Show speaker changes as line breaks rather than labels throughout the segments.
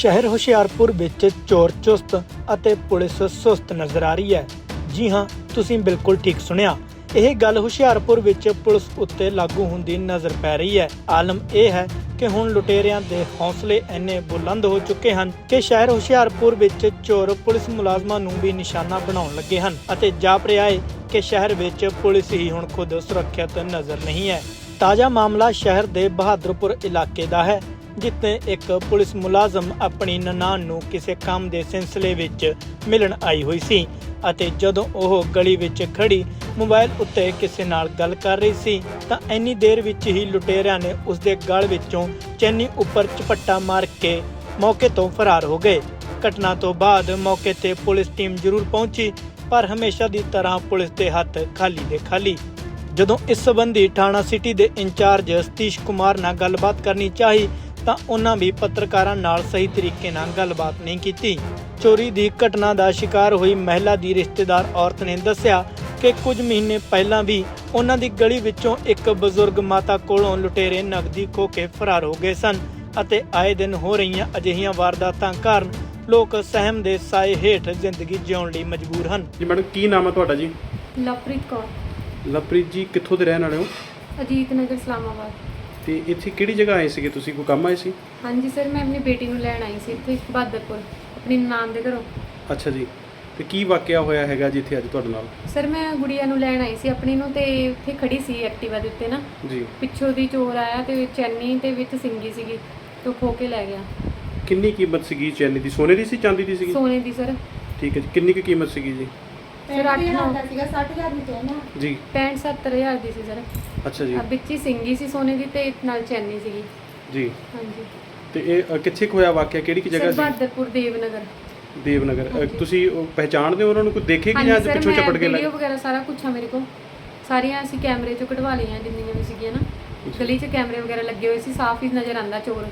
ਸ਼ਹਿਰ ਹੁਸ਼ਿਆਰਪੁਰ ਵਿੱਚ ਚੋਰ ਚੁਸਤ ਅਤੇ ਪੁਲਿਸ ਸੁਸਤ ਨਜ਼ਰ ਆ ਰਹੀ ਹੈ। ਜੀ ਹਾਂ, ਤੁਸੀਂ ਬਿਲਕੁਲ ਠੀਕ ਸੁਣਿਆ। ਇਹ ਗੱਲ ਹੁਸ਼ਿਆਰਪੁਰ ਵਿੱਚ ਪੁਲਿਸ ਉੱਤੇ ਲਾਗੂ ਹੁੰਦੀ ਨਜ਼ਰ ਪੈ ਰਹੀ ਹੈ। ਆਲਮ ਇਹ ਹੈ ਕਿ ਹੁਣ ਲੁਟੇਰਿਆਂ ਦੇ ਹੌਸਲੇ ਇੰਨੇ ਬੁਲੰਦ ਹੋ ਚੁੱਕੇ ਹਨ ਕਿ ਸ਼ਹਿਰ ਹੁਸ਼ਿਆਰਪੁਰ ਵਿੱਚ ਚੋਰ ਪੁਲਿਸ ਮੁਲਾਜ਼ਮਾਂ ਨੂੰ ਵੀ ਨਿਸ਼ਾਨਾ ਬਣਾਉਣ ਲੱਗੇ ਹਨ ਅਤੇ ਜਾਪ ਰਿਹਾ ਹੈ ਕਿ ਸ਼ਹਿਰ ਵਿੱਚ ਪੁਲਿਸ ਹੀ ਹੁਣ ਖੁਦ ਸੁਰੱਖਿਅਤ ਨਜ਼ਰ ਨਹੀਂ ਹੈ। ਤਾਜ਼ਾ ਮਾਮਲਾ ਸ਼ਹਿਰ ਦੇ ਬਹਾਦਰਪੁਰ ਇਲਾਕੇ ਦਾ ਹੈ, ਜਿੱਥੇ ਇੱਕ ਪੁਲਿਸ ਮੁਲਾਜ਼ਮ ਆਪਣੀ ਨਨਾਣ ਨੂੰ ਕਿਸੇ ਕੰਮ ਦੇ ਸਿਲਸਿਲੇ ਵਿੱਚ ਮਿਲਣ ਆਈ ਹੋਈ ਸੀ ਅਤੇ ਜਦੋਂ ਉਹ ਗਲੀ ਵਿੱਚ ਖੜੀ ਮੋਬਾਈਲ ਉੱਤੇ ਕਿਸੇ ਨਾਲ ਗੱਲ ਕਰ ਰਹੀ ਸੀ ਤਾਂ ਇੰਨੀ ਦੇਰ ਵਿੱਚ ਹੀ ਲੁਟੇਰਿਆਂ ਨੇ ਉਸਦੇ ਗਲ ਵਿੱਚੋਂ ਚੈਨੀ ਉੱਪਰ ਝਪੱਟਾ ਮਾਰ ਕੇ ਮੌਕੇ ਤੋਂ ਫਰਾਰ ਹੋ ਗਏ। ਘਟਨਾ ਤੋਂ ਬਾਅਦ ਮੌਕੇ ਤੇ ਪੁਲਿਸ ਟੀਮ ਜ਼ਰੂਰ ਪਹੁੰਚੀ, ਪਰ ਹਮੇਸ਼ਾ ਦੀ ਤਰ੍ਹਾਂ ਪੁਲਿਸ ਦੇ ਹੱਥ ਖਾਲੀ ਦੇ ਖਾਲੀ। ਜਦੋਂ ਇਸ ਸੰਬੰਧੀ ਥਾਣਾ ਸਿਟੀ ਦੇ ਇੰਚਾਰਜ ਸਤੀਸ਼ ਕੁਮਾਰ ਨਾਲ ਗੱਲਬਾਤ ਕਰਨੀ ਚਾਹੀ ਤਾਂ ਉਹਨਾਂ ਵੀ ਪੱਤਰਕਾਰਾਂ ਨਾਲ ਸਹੀ ਤਰੀਕੇ ਨਾਲ ਗੱਲਬਾਤ ਨਹੀਂ ਕੀਤੀ। ਚੋਰੀ ਦੀ ਘਟਨਾ ਦਾ ਸ਼ਿਕਾਰ ਹੋਈ ਮਹਿਲਾ ਦੀ ਰਿਸ਼ਤੇਦਾਰ ਔਰਤ ਨੇ ਦੱਸਿਆ ਕਿ ਕੁਝ ਮਹੀਨੇ ਪਹਿਲਾਂ ਵੀ ਉਹਨਾਂ ਦੀ ਗਲੀ ਵਿੱਚੋਂ ਇੱਕ ਬਜ਼ੁਰਗ ਮਾਤਾ ਕੋਲੋਂ ਲੁਟੇਰੇ ਨਕਦੀ ਖੋਹ ਕੇ ਫਰਾਰ ਹੋ ਗਏ ਸਨ ਅਤੇ ਆਏ ਦਿਨ ਹੋ ਰਹੀਆਂ ਅਜਿਹੀਆਂ ਵਾਰਦਾਤਾਂ ਕਾਰਨ ਲੋਕ ਸਹਿਮ ਦੇ ਸਾਏ ਹੇਠ ਜ਼ਿੰਦਗੀ ਜਿਉਣ ਲਈ ਮਜਬੂਰ ਹਨ।
ਜੀ ਮੈਡਮ, ਕੀ ਨਾਮ ਹੈ ਤੁਹਾਡਾ ਜੀ?
ਲਵਪ੍ਰੀਤ ਕੌਰ।
ਲਵਪ੍ਰੀਤ ਜੀ, ਕਿੱਥੋਂ ਦੇ ਰਹਿਣ ਵਾਲੇ ਹੋ?
ਅਜੀਤ ਨਗਰ ਇਸਲਾਮਾਬਾਦ।
ਤੇ ਇੱਥੇ ਕਿਹੜੀ ਜਗ੍ਹਾ ਆਏ ਸੀਗੇ ਤੁਸੀਂ? ਕੋਈ ਕੰਮ ਆਏ ਸੀ?
ਹਾਂਜੀ ਸਰ, ਮੈਂ ਆਪਣੀ ਬੇਟੀ ਨੂੰ ਲੈਣ ਆਈ ਸੀ ਇੱਥੇ ਬਹਾਦਰਪੁਰ ਆਪਣੀ ਨਨਾਣ ਦੇ ਘਰੋਂ।
ਅੱਛਾ ਜੀ, ਤੇ ਕੀ ਵਾਕਿਆ ਹੋਇਆ ਹੈਗਾ ਜੀ ਇੱਥੇ ਅੱਜ ਤੁਹਾਡੇ ਨਾਲ?
ਸਰ, ਮੈਂ ਗੁੜੀਆ ਨੂੰ ਲੈਣ ਆਈ ਸੀ ਆਪਣੀ ਨੂੰ, ਤੇ ਉੱਥੇ ਖੜੀ ਸੀ ਐਕਟਿਵਾ ਦੇ ਉੱਤੇ ਨਾ
ਜੀ।
ਪਿੱਛੋਂ ਦੀ ਚੋਰ ਆਇਆ ਤੇ ਚੈਨੀ ਤੇ ਵਿੱਚ ਸਿੰਗੀ ਸੀਗੀ ਤੇ ਖੋ ਕੇ ਲੈ ਗਿਆ।
ਕਿੰਨੀ ਕੀਮਤ ਸੀਗੀ ਚੈਨੀ ਦੀ? ਸੋਨੇ ਦੀ ਸੀ, ਚਾਂਦੀ ਦੀ ਸੀਗੀ?
ਸੋਨੇ ਦੀ ਸਰ।
ਠੀਕ ਹੈ ਜੀ, ਕਿੰਨੀ ਕੁ ਕੀਮਤ ਸੀਗੀ ਜੀ?
ਸਰ 8-9
ਦਾ ਸੀਗਾ, 60,000 ਦੀ ਚੈਨ ਆ
ਜੀ।
65-70,000 ਦੀ ਸੀ ਸਰ।
ਅੱਛਾ ਜੀ।
ਵਿੱਚ ਹੀ ਸਿੰਗੀ ਸੀ ਸੋਨੇ ਦੀ ਤੇ ਨਾਲ ਚੈਨੀ ਸੀਗੀ।
ਜੀ।
ਹਾਂਜੀ।
ਤੇ ਇਹ ਕਿੱਥੇ ਕੁ ਹੋਇਆ ਵਾਕਿਆ? ਕਿਹੜੀ ਕਿ ਜਗ੍ਹਾ
ਸਰ
ਸੀ?
ਬਹਾਦਰਪੁਰ ਦੇਵਨਗਰ।
ਦੇਵਨਗਰ।
ਹਾਂਜੀ।
ਤੁਸੀਂ ਉਹ ਪਹਿਚਾਣਦੇ ਹੋ ਉਹਨਾਂ ਨੂੰ? ਕੋਈ ਦੇਖੇ ਕਿ ਜਾਂ ਪਿੱਛੋਂ ਚਪਟ ਕੇ
ਵੀਡੀਓ ਵਗੈਰਾ ਸਾਰਾ ਕੁਝ ਆ ਮੇਰੇ ਕੋਲ, ਸਾਰੀਆਂ ਅਸੀਂ ਕੈਮਰੇ ਚੋਂ ਕਢਵਾ ਲਈਆਂ ਜਿੰਨੀਆਂ ਵੀ ਸੀਗੀਆਂ ਨਾ। ਗਲੀ 'ਚ ਕੈਮਰੇ ਵਗੈਰਾ ਲੱਗੇ ਹੋਏ ਸੀ, ਸਾਫ਼ ਹੀ ਨਜ਼ਰ ਆਉਂਦਾ ਚੋਰ।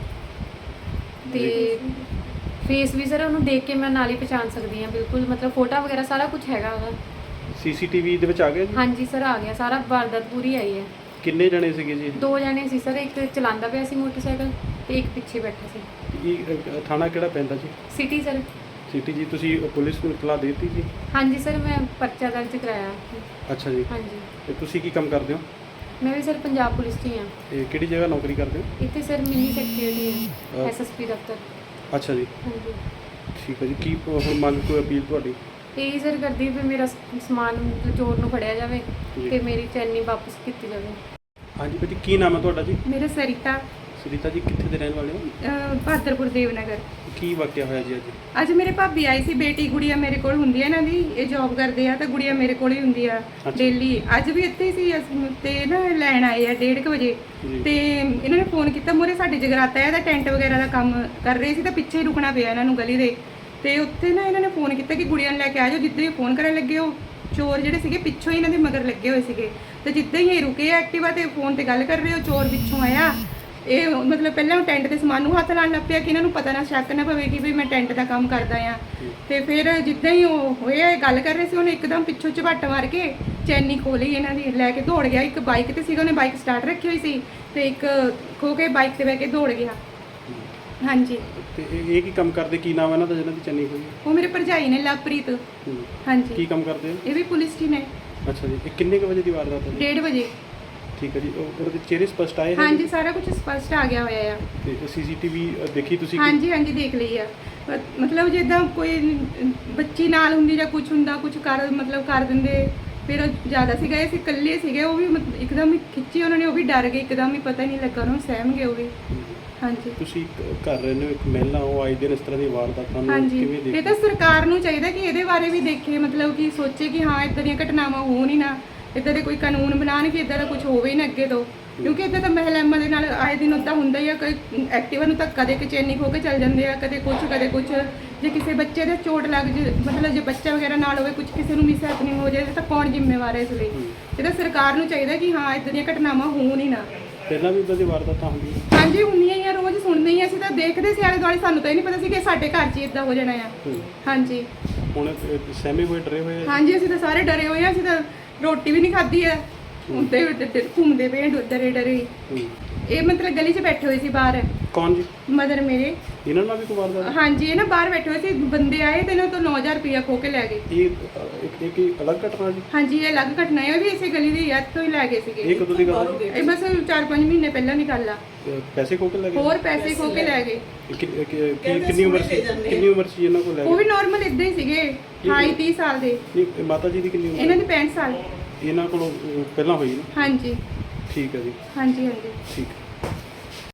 ਤੇ ਫੇਸ ਵੀ ਸਰ ਉਹਨੂੰ ਦੇਖ ਕੇ ਮੈਂ ਨਾਲ ਹੀ ਪਛਾਣ ਸਕਦੀ ਹਾਂ ਬਿਲਕੁਲ, ਮਤਲਬ ਫੋਟੋ ਵਗੈਰਾ ਸਾਰਾ ਕੁਝ ਹੈਗਾ ਉਹਦਾ।
ਸੀਸੀਟੀਵੀ ਦੇ ਵਿੱਚ ਆ ਗਿਆ ਜੀ?
ਹਾਂਜੀ ਸਰ, ਆ ਗਿਆ ਸਾਰਾ, ਵਾਰਦਾਤ ਪੂਰੀ ਆਈ ਹੈ।
ਕਿੰਨੇ ਜਣੇ ਸੀਗੇ ਜੀ?
2 ਜਣੇ ਸੀ ਸਰ, ਇੱਕ ਚਲਾਉਂਦਾ ਪਿਆ ਸੀ ਮੋਟਰਸਾਈਕਲ ਤੇ ਇੱਕ ਪਿੱਛੇ ਬੈਠਾ ਸੀ।
ਇਹ ਥਾਣਾ ਕਿਹੜਾ ਪੈਂਦਾ ਜੀ?
City sir.
ਸਿਟੀ ਜੀ। ਤੁਸੀਂ ਪੁਲਿਸ ਨੂੰ ਇਤਲਾਹ ਦੇ ਦਿੱਤੀ ਜੀ?
ਹਾਂਜੀ ਸਰ, ਮੈਂ ਪਰਚਾ ਦਰਜ ਕਰਾਇਆ।
ਅੱਛਾ ਜੀ।
ਹਾਂਜੀ।
ਤੇ ਤੁਸੀਂ ਕੀ ਕੰਮ ਕਰਦੇ ਹੋ?
ਮੈਂ ਵੀ ਸਰ ਪੰਜਾਬ ਪੁਲਿਸ 'ਚ ਹੀ ਹਾਂ।
ਇਹ ਕਿਹੜੀ ਜਗ੍ਹਾ ਨੌਕਰੀ ਕਰਦੇ ਹੋ?
ਇੱਥੇ ਸਰ ਮਿੰਨੀ ਸੈਕਟਰੀ ਹੈ, ਐਸਐਸਪੀ ਦਫ਼ਤਰ।
ਅੱਛਾ ਜੀ,
ਹਾਂਜੀ।
ਠੀਕ ਹੈ ਜੀ। ਕੀ ਹੁਣ ਮੰਗ ਕੋਈ ਅਪੀਲ ਤੁਹਾਡੀ?
ਇਹੀ ਸਰ ਕਰਦੀ ਵੀ ਮੇਰਾ ਸਮਾਨ ਚੋਰ ਨੂੰ ਫੜਿਆ ਜਾਵੇ
ਜੀ।
ਤੇ ਮੇਰੀ ਚੈਨੀ ਵਾਪਸ ਕੀਤੀ ਜਾਵੇ।
ਹਾਂਜੀ ਭਾਜੀ, ਕੀ ਨਾਮ ਹੈ ਤੁਹਾਡਾ ਜੀ?
ਮੇਰਾ ਸਰਿਤਾ,
ਸੁਨੀਤਾ ਜੀ, ਕਿੱਥੇ ਦੇ ਰਹਿਣ ਵਾਲੇ ਹੋ?
ਬਹਾਦਰਪੁਰ ਦੇਵਨਗਰ।
ਕੀ ਵਾਕਿਆ ਹੋਇਆ ਜੀ ਅੱਜ?
ਅੱਜ ਮੇਰੇ ਭਾਬੀ ਆਈ ਸੀ, ਬੇਟੀ ਗੁੜੀਆ ਮੇਰੇ ਕੋਲ ਹੁੰਦੀ ਹੈ ਇਹਨਾਂ ਦੀ, ਇਹ ਜੌਬ ਕਰਦੇ ਆ ਤਾਂ ਗੁੜੀਆ ਮੇਰੇ ਕੋਲ ਹੀ ਹੁੰਦੀ ਆ ਡੇਲੀ। ਅੱਜ ਵੀ ਇੱਥੇ ਹੀ ਸੀ ਤੇ ਨਾ ਲੈਣ ਆਏ ਆ 1:30 ਵਜੇ
ਜੀ।
ਤੇ ਇਹਨਾਂ ਨੇ ਫੋਨ ਕੀਤਾ, ਮੂਹਰੇ ਸਾਡੇ ਜਗਰਾਤਾ ਹੈ, ਇਹਦਾ ਟੈਂਟ ਵਗੈਰਾ ਦਾ ਕੰਮ ਕਰ ਰਹੇ ਸੀ ਤਾਂ ਪਿੱਛੇ ਹੀ ਰੁਕਣਾ ਪਿਆ ਇਹਨਾਂ ਨੂੰ ਗਲੀ ਦੇ। ਤੇ ਉੱਥੇ ਨਾ ਇਹਨਾਂ ਨੇ ਫੋਨ ਕੀਤਾ ਕਿ ਗੁੜੀਆ ਨੂੰ ਲੈ ਕੇ ਆ ਜਾਓ। ਜਿੱਦਾਂ ਹੀ ਫੋਨ ਕਰਨ ਲੱਗੇ, ਉਹ ਚੋਰ ਜਿਹੜੇ ਸੀਗੇ ਪਿੱਛੋਂ ਹੀ ਇਹਨਾਂ ਦੇ ਮਗਰ ਲੱਗੇ ਹੋਏ ਸੀਗੇ ਤੇ ਜਿੱਦਾਂ ਹੀ ਇਹ ਰੁਕੇ ਐਕਟਿਵਾ ਤੇ ਫੋਨ ਤੇ ਗੱਲ ਕਰ ਰਹੇ, ਉਹ ਚੋਰ ਪਿੱਛੋਂ ਆਇਆ। ਇਹ ਮਤਲਬ ਪਹਿਲਾਂ ਉਹ ਟੈਂਟ ਦੇ ਸਮਾਨ ਨੂੰ ਹੱਥ ਲਾਉਣ ਲੱਗ ਪਿਆ ਕਿ ਇਹਨਾਂ ਨੂੰ ਪਤਾ ਨਾ ਸ਼ੱਕ ਨਾ ਪਵੇ ਕਿ ਵੀ ਮੈਂ ਟੈਂਟ ਦਾ ਕੰਮ ਕਰਦਾ ਆ। ਤੇ ਫਿਰ ਜਿੱਦਾਂ ਹੀ ਉਹ ਹੋਇਆ ਇਹ ਗੱਲ ਕਰ ਰਹੇ ਸੀ, ਉਹਨੇ ਇੱਕਦਮ ਪਿੱਛੋਂ ਝਪੱਟ ਮਾਰ ਕੇ ਚੈਨੀ ਖੋਲੀ ਇਹਨਾਂ ਦੀ, ਲੈ ਕੇ ਦੌੜ ਗਿਆ। ਇੱਕ ਬਾਈਕ ਤੇ ਸੀਗਾ, ਉਹਨੇ ਬਾਈਕ ਸਟਾਰਟ ਰੱਖੀ ਹੋਈ ਸੀ ਤੇ ਇੱਕ ਖੋ ਕੇ ਬਾਈਕ ਤੇ ਬਹਿ ਕੇ ਦੌੜ ਗਿਆ। ਹਾਂਜੀ।
ਤੇ ਇਹ ਕੀ ਕੰਮ ਕਰਦੇ? ਕੀ ਨਾਮ ਹੈ ਇਹਨਾਂ ਦਾ ਜਿਹਨਾਂ ਦੀ ਚੰਨੀ ਹੋਈ?
ਉਹ ਮੇਰੇ ਭਰਜਾਈ ਨੇ, ਲਵਪ੍ਰੀਤ। ਹਾਂਜੀ।
ਕੀ ਕੰਮ ਕਰਦੇ ਹੋ?
ਇਹ ਵੀ ਪੁਲਿਸ 'ਚ ਹੀ ਨੇ।
ਅੱਛਾ ਜੀ। ਇਹ ਕਿੰਨੇ ਕੁ ਵਜੇ ਦੀ ਵਾਰਦਾਤ ਹੈ?
1:30 ਵਜੇ।
ਠੀਕ ਹੈ ਜੀ। ਉਹਦੇ ਚਿਹਰੇ ਸਪਸ਼ਟ ਆਏ?
ਹਾਂਜੀ, ਸਾਰਾ ਕੁਝ ਸਪਸ਼ਟ ਆ ਗਿਆ ਹੋਇਆ ਆ।
ਤੇ ਸੀਸੀਟੀਵੀ ਦੇਖੀ ਤੁਸੀਂ?
ਹਾਂਜੀ ਹਾਂਜੀ, ਦੇਖ ਲਈ ਆ। ਮਤਲਬ ਜਿੱਦਾਂ ਕੋਈ ਬੱਚੀ ਨਾਲ ਹੁੰਦੀ ਜਾਂ ਕੁਝ ਹੁੰਦਾ, ਕੁਝ ਕਰ ਮਤਲਬ ਕਰ ਦਿੰਦੇ। ਫਿਰ ਉਹ ਜ਼ਿਆਦਾ ਸੀਗਾ, ਇਹ ਸੀ ਇਕੱਲੇ ਸੀਗੇ, ਉਹ ਵੀ ਇੱਕਦਮ ਹੀ ਖਿੱਚੀ ਉਹਨਾਂ ਨੇ, ਉਹ ਵੀ ਡਰ ਗਏ ਇੱਕਦਮ ਹੀ, ਪਤਾ ਹੀ ਨਹੀਂ ਲੱਗਾ ਉਹਨਾਂ ਨੂੰ, ਸਹਿਮ ਗਏ ਉਹ ਵੀ। ਹਾਂਜੀ। ਤੁਸੀਂ
ਘਰ ਰਹਿੰਦੇ ਹੋ, ਇੱਕ ਮਹਿਲਾ ਉਹ ਆਏ ਦਿਨ ਇਸ ਤਰ੍ਹਾਂ ਦੀ ਵਾਰਦਾਤਾਂ ਨੂੰ
ਹਾਂਜੀ,
ਕਿਵੇਂ ਦੇਖਦੇ?
ਇਹ ਤਾਂ ਸਰਕਾਰ ਨੂੰ ਚਾਹੀਦਾ ਕਿ ਇਹਦੇ ਬਾਰੇ ਵੀ ਦੇਖੇ, ਮਤਲਬ ਕਿ ਸੋਚੇ ਕਿ ਹਾਂ ਇੱਦਾਂ ਦੀਆਂ ਘਟਨਾਵਾਂ ਹੋਣ ਹੀ ਨਾ, ਇੱਦਾਂ ਦੇ ਕੋਈ ਕਾਨੂੰਨ ਬਣਾਉਣ ਕਿ ਇੱਦਾਂ ਦਾ ਕੁਝ ਹੋਵੇ ਹੀ ਨਾ ਅੱਗੇ ਤੋਂ। ਕਿਉਂਕਿ ਇੱਦਾਂ ਤਾਂ ਮਹਿਲਾਵਾਂ ਦੇ ਨਾਲ ਆਏ ਦਿਨ ਉੱਦਾਂ ਹੁੰਦਾ ਹੀ ਆ। ਕੋਈ ਐਕਟਿਵਾ ਨੂੰ ਧੱਕਾ ਦੇ ਕੇ ਚੈਨੀ ਖੋ ਕੇ ਚੱਲ ਜਾਂਦੇ ਆ, ਕਦੇ ਕੁਝ ਕਦੇ ਕੁਝ। ਜੇ ਕਿਸੇ ਬੱਚੇ ਦੇ ਚੋਟ ਲੱਗ ਜੇ, ਮਤਲਬ ਜੇ ਬੱਚਾ ਵਗੈਰਾ ਨਾਲ ਹੋਵੇ, ਕੁਝ ਕਿਸੇ ਨੂੰ ਮਿਸ ਹੈਪਨਿੰਗ ਹੋ ਜਾਏ ਤਾਂ ਕੌਣ ਜ਼ਿੰਮੇਵਾਰ ਹੈ ਇਸ ਲਈ? ਇਹ ਤਾਂ ਸਰਕਾਰ ਨੂੰ ਚਾਹੀਦਾ ਕਿ ਹਾਂ ਇੱਦਾਂ ਦੀਆਂ ਘਟਨਾਵਾਂ ਹੋਣ ਹੀ ਨਾ।
ਪਹਿਲਾਂ ਵੀ ਇਦਾਂ ਦੀ ਵਾਰਦਾਤਾਂ ਹੁੰਦੀਆਂ?
ਹਾਂਜੀ, ਹੁੰਦੀਆਂ ਹੀ ਆ, ਰੋਜ਼ ਸੁਣਦੇ ਹੀ ਆ। ਅਸੀਂ ਤਾਂ ਦੇਖਦੇ ਸੀ ਆਲੇ ਦੁਆਲੇ, ਸਾਨੂੰ ਤਾਂ ਇਹ ਨਹੀਂ ਪਤਾ ਸੀ ਕਿ ਸਾਡੇ ਘਰ 'ਚ ਇਦਾਂ ਹੋ ਜਾਣਾ ਆ। ਹਾਂਜੀ।
ਹੁਣ ਸਹਿਮੇ ਹੋਏ, ਡਰੇ ਹੋਏ?
ਹਾਂਜੀ, ਅਸੀਂ ਤਾਂ ਸਾਰੇ ਡਰੇ ਹੋਏ ਆ। ਅਸੀਂ ਤਾਂ ਰੋਟੀ ਵੀ ਨਹੀਂ ਖਾਧੀ ਆ, ਉੱਤੇ ਘੁੰਮਦੇ ਪਏ ਡਰੇ ਡਰੇ। ਇਹ ਮਤਲਬ ਗਲੀ 'ਚ ਬੈਠੇ ਹੋਏ ਸੀ ਬਾਹਰ,
ਕੌਣ ਜੀ?
ਮਦਰ ਮੇਰੇ।
ਇਹਨਾਂ ਨਾਲ ਵੀ ਕੋਈ ਵਾਰਦਾਤ?
ਹਾਂਜੀ, ਇਹ ਨਾ ਬਾਹਰ ਬੈਠੇ ਹੋਏ ਸੀ, ਬੰਦੇ ਆਏ ਤੇ ਇਹਨਾਂ ਤੋਂ 9000 ਰੁਪਇਆ ਖੋ ਕੇ ਲੈ ਗਏ।
ਇਹ ਕੀ ਅਲੱਗ ਘਟਨਾ ਜੀ?
ਹਾਂਜੀ, ਇਹ ਅਲੱਗ ਘਟਨਾ ਹੈ, ਉਹ ਵੀ ਇਸੇ ਗਲੀ ਦੀ ਯਾਦ ਤੋਂ ਹੀ ਲੈ ਗਏ ਸੀਗੇ।
ਇਹ ਕਦੋਂ ਦੀ ਗੱਲ ਹੈ?
ਇਹ ਬਸ 4-5 ਮਹੀਨੇ ਪਹਿਲਾਂ ਦੀ ਗੱਲ ਆ।
ਪੈਸੇ ਖੋ ਕੇ ਲੈ ਗਏ?
ਹੋਰ ਪੈਸੇ ਖੋ ਕੇ ਲੈ ਗਏ।
ਕਿੰਨੀ ਉਮਰ ਸੀ ਇਹਨਾਂ ਕੋਲ ਲੈ
ਉਹ ਵੀ
ਗਏ?
ਨਾਰਮਲ ਇਦਾਂ ਹੀ ਸੀਗੇ, 28-30 ਸਾਲ ਦੇ।
ਨਹੀਂ, ਮਾਤਾ ਜੀ ਦੀ ਕਿੰਨੀ ਉਮਰ?
ਇਹਨਾਂ ਦੀ 65 ਸਾਲ।
ਇਹਨਾਂ ਕੋਲੋਂ ਪਹਿਲਾਂ ਹੋਈ ਨਾ?
ਹਾਂਜੀ
ਠੀਕ ਹੈ ਜੀ,
ਹਾਂਜੀ ਹਾਂਜੀ।
ਠੀਕ।